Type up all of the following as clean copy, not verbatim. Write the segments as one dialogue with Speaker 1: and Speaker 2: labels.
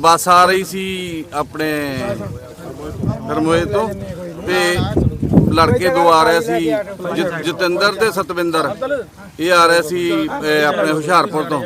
Speaker 1: ਬੱਸ ਆ ਰਹੀ ਸੀ ਆਪਣੇ ਹਰਮੋਏ ਤੋਂ ਤੇ ਲੜਕੇ ਦੋ ਆ ਰਹੇ ਸੀ ਜਤਿੰਦਰ ਤੇ ਸਤਵਿੰਦਰ। ਇਹ ਆ ਰਹੇ ਸੀ ਆਪਣੇ ਹੁਸ਼ਿਆਰਪੁਰ ਤੋਂ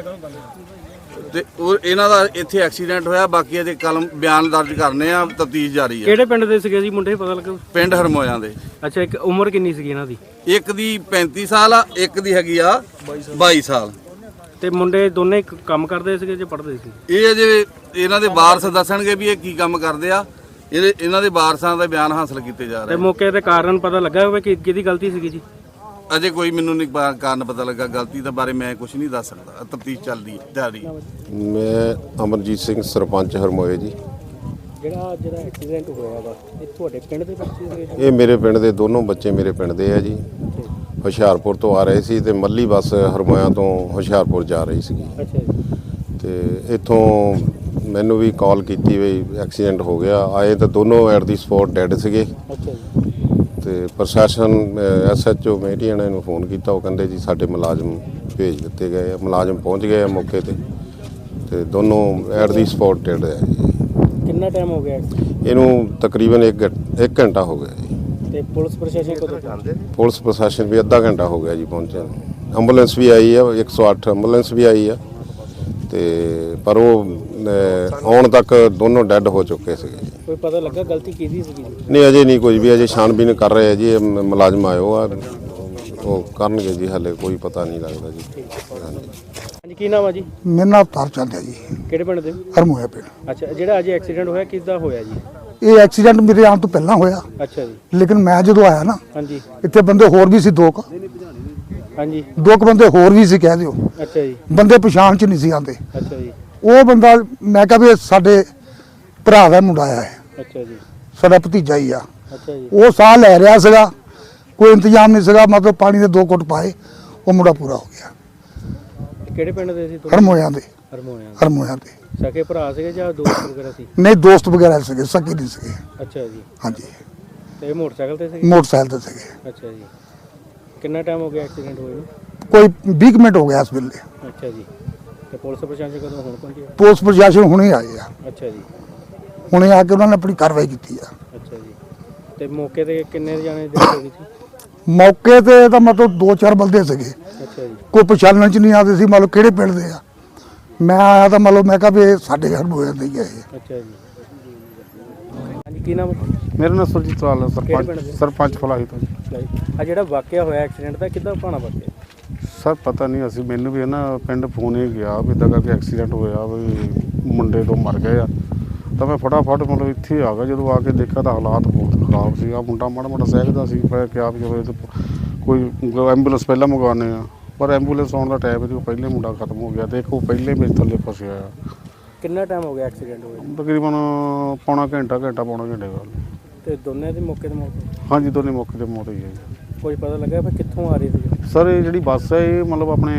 Speaker 1: ਤੇ ਉਹ ਇਹਨਾਂ ਦਾ ਇੱਥੇ ਐਕਸੀਡੈਂਟ ਹੋਇਆ। ਬਾਕੀ ਅਜੇ ਕਲਮ ਬਿਆਨ ਦਰਜ ਕਰਨੇ ਆ, ਤਫਤੀਸ਼ ਜਾਰੀ ਹੈ।
Speaker 2: ਕਿਹੜੇ ਪਿੰਡ ਦੇ ਸੀਗੇ ਜੀ ਮੁੰਡੇ, ਪਤਾ ਲੱਗਾ?
Speaker 1: ਪਿੰਡ ਹਰਮੋਇਆਂ ਦੇ।
Speaker 2: ਅੱਛਾ, ਇੱਕ ਉਮਰ ਕਿੰਨੀ ਸੀਗੀ ਇਹਨਾਂ ਦੀ?
Speaker 1: ਇੱਕ ਦੀ 35 ਸਾਲ ਆ, ਇੱਕ ਦੀ ਹੈਗੀ ਆ 22 ਸਾਲ।
Speaker 2: ਤੇ ਮੁੰਡੇ ਦੋਨੇ ਕੰਮ ਕਰਦੇ ਸੀਗੇ ਜਾਂ ਪੜ੍ਹਦੇ ਸੀ?
Speaker 1: ਇਹ ਅਜੇ ਇਹਨਾਂ ਦੇ ਵਾਰਸ ਦੱਸਣਗੇ ਵੀ ਇਹ ਕੀ ਕੰਮ ਕਰਦੇ ਆ। ਇਹਨਾਂ ਦੇ ਵਾਰਸਾਂ ਦਾ ਬਿਆਨ ਹਾਸਲ ਕੀਤੇ ਜਾ ਰਹੇ।
Speaker 2: ਤੇ ਮੌਕੇ ਤੇ ਕਾਰਨ ਪਤਾ ਲੱਗਾ ਹੋਵੇ ਕਿ ਕਿਹਦੀ ਗਲਤੀ ਸੀਗੀ ਜੀ?
Speaker 1: ਅਜੇ ਕੋਈ ਮੈਨੂੰ ਨਹੀਂ ਕਾਰਨ ਪਤਾ ਲੱਗਾ। ਗਲਤੀ ਦੇ ਬਾਰੇ ਮੈਂ ਕੁਝ ਨਹੀਂ ਦੱਸ ਸਕਦਾ, ਤਫਤੀਸ਼ ਚੱਲਦੀ ਜਾਰੀ।
Speaker 3: ਮੈਂ ਅਮਰਜੀਤ ਸਿੰਘ, ਸਰਪੰਚ ਹਰਮੋਏ ਜੀ।
Speaker 2: ਜਿਹੜਾ ਐਕਸੀਡੈਂਟ ਹੋਇਆ ਵਾ, ਇਹ ਤੁਹਾਡੇ ਪਿੰਡ ਦੇ ਬੱਚੇ ਸੀਗੇ?
Speaker 3: ਇਹ ਮੇਰੇ ਪਿੰਡ ਦੇ ਦੋਨੋਂ ਬੱਚੇ ਮੇਰੇ ਪਿੰਡ ਦੇ ਆ ਜੀ। ਹੁਸ਼ਿਆਰਪੁਰ ਤੋਂ ਆ ਰਹੇ ਸੀ ਤੇ ਮੱਲੀ ਬੱਸ ਹਰਮੋਇਆਂ ਤੋਂ ਹੁਸ਼ਿਆਰਪੁਰ ਜਾ ਰਹੀ ਸੀਗੀ।
Speaker 2: ਅੱਛਾ ਜੀ। ਤੇ
Speaker 3: ਇੱਥੋਂ ਮੈਨੂੰ ਵੀ ਕਾਲ ਕੀਤੀ ਵੀ ਐਕਸੀਡੈਂਟ ਹੋ ਗਿਆ। ਆਏ ਤਾਂ ਦੋਨੋਂ ਐਟ ਦੀ ਸਪੌਟ ਡੈੱਡ ਸੀਗੇ।
Speaker 2: ਅੱਛਾ ਜੀ।
Speaker 3: ਤੇ ਪ੍ਰਸ਼ਾਸਨ SHO ਮੇਟੀਆਂ ਨੇ ਨੂੰ ਫੋਨ ਕੀਤਾ। ਉਹ ਕਹਿੰਦੇ ਜੀ ਸਾਡੇ ਮੁਲਾਜ਼ਮ ਭੇਜ ਦਿੱਤੇ ਗਏ ਆ। ਮੁਲਾਜ਼ਮ ਪਹੁੰਚ ਗਏ ਆ ਮੌਕੇ ਤੇ ਦੋਨੋਂ ਐਟ ਦੀ ਸਪੌਟ ਡੈੱਡ ਆ ਜੀ।
Speaker 2: ਕਿੰਨਾ ਟਾਈਮ ਹੋ ਗਿਆ
Speaker 3: ਇਹਨੂੰ? ਤਕਰੀਬਨ 1 ਘੰਟਾ ਹੋ ਗਿਆ ਜੀ।
Speaker 2: ਤੇ ਪੁਲਿਸ ਪ੍ਰਸ਼ਾਸਨ ਕਦੋਂ ਪਹੁੰਚਦੇ?
Speaker 3: ਪੁਲਿਸ ਪ੍ਰਸ਼ਾਸਨ ਵੀ ਅੱਧਾ ਘੰਟਾ ਹੋ ਗਿਆ ਜੀ ਪਹੁੰਚਿਆ ਨੂੰ। ਐਂਬੂਲੈਂਸ ਵੀ ਆਈ ਆ, 108 ਐਂਬੂਲੈਂਸ ਵੀ ਆਈ ਆ ਤੇ ਪਰ ਉਹ ਆਉਣ ਤੱਕ ਦੋਨੋਂ ਡੈੱਡ ਹੋ ਚੁੱਕੇ ਸੀਗੇ ਜੀ।
Speaker 2: ਕੋਈ ਪਤਾ ਲੱਗਾ ਗਲਤੀ ਕਿਹਦੀ ਸੀਗੀ?
Speaker 3: ਨਹੀਂ, ਅਜੇ ਨਹੀਂ ਕੁਝ ਵੀ। ਅਜੇ ਛਾਣਬੀਨ ਕਰ ਰਹੇ ਆ ਜੀ। ਮੁਲਾਜ਼ਮ ਆਇਓ ਆ, ਉਹ ਕਰਨਗੇ ਜੀ। ਹਾਲੇ ਕੋਈ ਪਤਾ ਨਹੀਂ ਲੱਗਦਾ ਜੀ।
Speaker 2: ਹਾਂਜੀ, ਕੀ ਨਾਮ ਆ ਜੀ?
Speaker 4: ਮੇਰਾ ਨਾਮ ਅਵਤਾਰ ਚੰਦ ਹੈ ਜੀ।
Speaker 2: ਕਿਹੜੇ ਪਿੰਡ ਦੇ?
Speaker 4: ਹਰਮੋਇਆ ਪਿੰਡ।
Speaker 2: ਅੱਛਾ, ਜਿਹੜਾ ਅੱਜ ਐਕਸੀਡੈਂਟ ਹੋਇਆ ਕਿਸਦਾ ਹੋਇਆ ਜੀ?
Speaker 4: ਇਹ ਐਕਸੀਡੈਂਟ ਮੇਰੇ ਆਉਣ ਤੋਂ ਪਹਿਲਾਂ ਹੋਇਆ।
Speaker 2: ਅੱਛਾ ਜੀ।
Speaker 4: ਲੇਕਿਨ ਮੈਂ ਜਦੋਂ ਆਇਆ ਨਾ,
Speaker 2: ਹਾਂਜੀ
Speaker 4: ਇੱਥੇ ਬੰਦੇ ਹੋਰ ਵੀ ਸੀ ਦੋ ਕੁ ਬੰਦੇ ਹੋਰ ਵੀ ਸੀ, ਕਹਿ ਦਿਓ।
Speaker 2: ਅੱਛਾ ਜੀ।
Speaker 4: ਬੰਦੇ ਪਛਾਣ ਚ ਨਹੀਂ ਸੀ ਆਉਂਦੇ।
Speaker 2: ਅੱਛਾ ਜੀ।
Speaker 4: ਉਹ ਬੰਦਾ ਮੈਂ ਕਿਹਾ ਵੀ ਸਾਡੇ ਭਰਾ ਦਾ ਮੁੰਡਾ ਆਇਆ ਹੈ,
Speaker 2: ਅੱਛਾ ਜੀ।
Speaker 4: ਸਾਡਾ ਭਤੀਜਾ ਹੀ ਆ।
Speaker 2: ਅੱਛਾ ਜੀ।
Speaker 4: ਉਹ ਸਾਹ ਲੈ ਰਿਹਾ ਸੀਗਾ, ਕੋਈ ਇੰਤਜ਼ਾਮ ਨਹੀਂ ਸੀਗਾ। ਮਤਲਬ ਪਾਣੀ ਦੇ 2 ਘੁੱਟ ਪਾਏ, ਉਹ ਮੁੰਡਾ ਪੂਰਾ ਹੋ ਗਿਆ।
Speaker 2: ਕਿਹੜੇ ਪਿੰਡ ਦੇ ਸੀ?
Speaker 4: ਹਰਮੋਇਆਂ ਦੇ।
Speaker 2: ਹਰਮੋਇਆਂ ਦੇ। ਸਕੇ ਭਰਾ ਸੀਗੇ ਜਾਂ ਦੋਸਤ ਵਗੈਰਾ ਸੀ?
Speaker 4: ਨਹੀਂ, ਦੋਸਤ ਵਗੈਰਾ ਸੀਗੇ, ਸਕੀ ਨਹੀਂ ਸੀਗੇ।
Speaker 2: ਅੱਛਾ ਜੀ।
Speaker 4: ਹਾਂਜੀ।
Speaker 2: ਤੇ ਮੋਟਰਸਾਈਕਲ ਤੇ ਸੀਗੇ?
Speaker 4: ਮੋਟਰਸਾਈਕਲ ਤੇ ਸੀਗੇ।
Speaker 2: ਅੱਛਾ ਜੀ। ਕਿੰਨਾ ਟਾਈਮ ਹੋ ਗਿਆ ਐਕਸੀਡੈਂਟ ਹੋਏ ਨੂੰ?
Speaker 4: ਕੋਈ 20 ਮਿੰਟ ਹੋ ਗਿਆ ਇਸ ਵੇਲੇ।
Speaker 2: ਅੱਛਾ ਜੀ। ਤੇ ਪੁਲਿਸ ਪ੍ਰਸ਼ਾਸਨ ਕਦੋਂ ਹੁਣ ਪਹੁੰਚਿਆ?
Speaker 4: ਪੁਲਿਸ ਪ੍ਰਸ਼ਾਸਨ ਹੁਣੇ ਆਏ ਆ।
Speaker 2: ਅੱਛਾ ਜੀ।
Speaker 4: ਹੁਣੇ ਆ ਕੇ ਉਹਨਾਂ ਨੇ ਆਪਣੀ ਕਾਰਵਾਈ ਕੀਤੀ ਆ।
Speaker 2: ਅੱਛਾ ਜੀ। ਤੇ ਮੌਕੇ ਤੇ ਕਿੰਨੇ ਜਾਣੇ ਡੈਥ ਹੋ ਗਈ ਸੀ?
Speaker 4: ਮੌਕੇ ਤੇ ਤਾਂ ਮਤਲਬ 2-4 ਬੰਦੇ ਸੀਗੇ।
Speaker 2: ਅੱਛਾ ਜੀ।
Speaker 4: ਕੋਈ ਪਛਾਣਨ ਚ ਨਹੀਂ ਆਉਂਦੇ ਸੀ ਮਤਲਬ ਕਿਹੜੇ ਪਿੰਡ ਦੇ ਆ। ਮੈਂ ਆਇਆ ਤਾਂ ਮਤਲਬ ਮੈਂ ਕਿਹਾ ਵੀ ਇਹ ਸਾਡੇ ਘਰ ਹੋਇਆ ਨਹੀਂ ਹੈ ਇਹ।
Speaker 2: ਅੱਛਾ ਜੀ। ਹਾਂਜੀ, ਕੀ ਨਾਮ?
Speaker 5: ਮੇਰਾ ਨਾਮ ਸੁਰਜੀਤ ਲਾਲ ਹੈ, ਸਰਪੰਚ ਫਲਾਹੀ ਤੋਂ।
Speaker 2: ਆ ਜਿਹੜਾ ਵਾਕਿਆ ਹੋਇਆ ਐਕਸੀਡੈਂਟ ਦਾ, ਕਿੱਦਾਂ ਭਾਣਾ ਵਾਕਿਆ?
Speaker 5: ਸਰ ਪਤਾ ਨਹੀਂ, ਅਸੀਂ ਮੈਨੂੰ ਵੀ ਨਾ ਪਿੰਡ ਫੋਨ ਹੀ ਗਿਆ ਵੀ ਇੱਦਾਂ ਕਰਕੇ ਐਕਸੀਡੈਂਟ ਹੋਇਆ ਵੀ ਮੁੰਡੇ ਤੋਂ ਮਰ ਗਏ ਆ। ਤਾਂ ਮੈਂ ਫਟਾਫਟ ਮਤਲਬ ਇੱਥੇ ਆ ਗਿਆ। ਜਦੋਂ ਆ ਕੇ ਦੇਖਿਆ ਤਾਂ ਹਾਲਾਤ ਬਹੁਤ ਖਰਾਬ ਸੀ। ਆ ਮੁੰਡਾ ਮਾੜਾ ਮਾੜਾ ਸਹਿਜਦਾ ਸੀ। ਮੈਂ ਕਿਹਾ ਵੀ ਜਦੋਂ ਕੋਈ ਐਂਬੂਲੈਂਸ ਪਹਿਲਾਂ ਮੰਗਵਾਉਂਦੇ ਆ, ਪਰ ਐਂਬੂਲੈਂਸ ਆਉਣ ਦਾ ਟਾਈਮ ਇਹਦੇ ਪਹਿਲੇ ਮੁੰਡਾ ਖਤਮ ਹੋ ਗਿਆ। ਦੇਖੋ ਪਹਿਲੇ ਮੇਰੇ ਥੱਲੇ ਫਸਿਆ ਆ।
Speaker 2: ਕਿੰਨਾ ਟਾਈਮ ਹੋ ਗਿਆ ਐਕਸੀਡੈਂਟ ਹੋਇਆ?
Speaker 5: ਤਕਰੀਬਨ ਪੌਣਾ ਘੰਟੇ ਬਾਅਦ।
Speaker 2: ਤੇ ਦੋਨੇ ਦੀ ਮੌਕੇ ਤੇ ਮੌਤ?
Speaker 5: ਹਾਂਜੀ, ਦੋਨੇ ਮੌਕੇ ਤੇ ਮੌਤ ਹੋਈ ਹੈ ਜੀ।
Speaker 2: ਕੋਈ ਪਤਾ ਲੱਗਾ ਫਿਰ ਕਿੱਥੋਂ ਆ ਰਹੀ ਸੀ?
Speaker 5: ਸਰ ਇਹ ਜਿਹੜੀ ਬੱਸ ਹੈ ਇਹ ਮਤਲਬ ਆਪਣੇ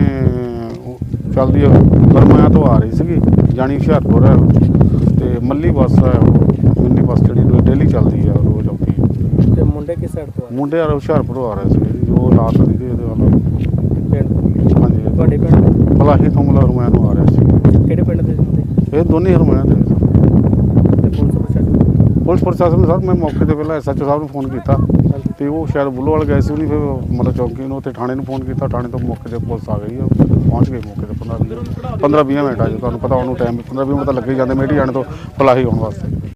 Speaker 5: ਚੱਲਦੀ ਹਰਮੋਇਆਂ ਤੋਂ ਆ ਰਹੀ ਸੀਗੀ, ਜਾਣੀ ਹੁਸ਼ਿਆਰਪੁਰ ਹੈ। ਤੇ ਮੱਲੀ ਬੱਸ ਹੈ, ਉਹ ਮਿੰਨੀ ਬੱਸ ਜਿਹੜੀ ਡੇਲੀ ਚੱਲਦੀ ਆ, ਰੋਜ਼ ਆਉਂਦੀ।
Speaker 2: ਤੇ ਮੁੰਡੇ ਕਿਸ ਸਾਈਡ ਤੋਂ ਆ?
Speaker 5: ਮੁੰਡੇ ਹੁਸ਼ਿਆਰਪੁਰ ਆ ਰਹੇ ਸੀਗੇ ਜੀ। ਉਹ ਰਾਤ ਦੀ ਇਹਦੇ ਵੱਲ
Speaker 2: ਪਿੰਡ?
Speaker 5: ਹਾਂਜੀ,
Speaker 2: ਤੁਹਾਡੇ ਪਿੰਡ?
Speaker 5: ਫਲਾਹੀ ਤੋਂ ਮਤਲਬ ਹਰਮੋਇਆਂ ਨੂੰ ਆ ਰਹੇ ਸੀ।
Speaker 2: ਕਿਹੜੇ ਪਿੰਡ ਦੇ ਮੁੰਡੇ?
Speaker 5: ਇਹ ਦੋਨੇ ਹਰਮੋਇਆਂ ਦੇ।
Speaker 2: ਤੇ ਪੁਲਿਸ
Speaker 5: ਪ੍ਰਸ਼ਾਸਨ ਸਰ ਮੈਂ ਮੌਕੇ ਤੇ ਪਹਿਲਾਂ SHO ਸਾਹਿਬ ਨੂੰ ਫੋਨ ਕੀਤਾ ਤੇ ਉਹ ਸ਼ਾਇਦ ਬੁੱਲੋਵਾਲ ਗਏ ਸੀ। ਉਹਨੇ ਫਿਰ ਮਤਲਬ ਚੌਂਕੀ ਨੂੰ ਉੱਥੇ ਥਾਣੇ ਨੂੰ ਫੋਨ ਕੀਤਾ। ਥਾਣੇ ਤੋਂ ਮੌਕੇ ਤੇ ਪੁਲਿਸ ਆ ਗਈ, ਪਹੁੰਚ ਗਈ ਮੌਕੇ ਤੇ 15-20 ਮਿੰਟ ਆ ਜੀ। ਤੁਹਾਨੂੰ ਪਤਾ ਉਹਨੂੰ ਟਾਈਮ 15-20 ਮਿੰਟ ਤਾਂ ਲੱਗੇ ਹੀ ਜਾਂਦੇ ਮੇਟੀ ਜਾਣੇ ਤੋਂ ਫਲਾਹੀ ਆਉਣ ਵਾਸਤੇ।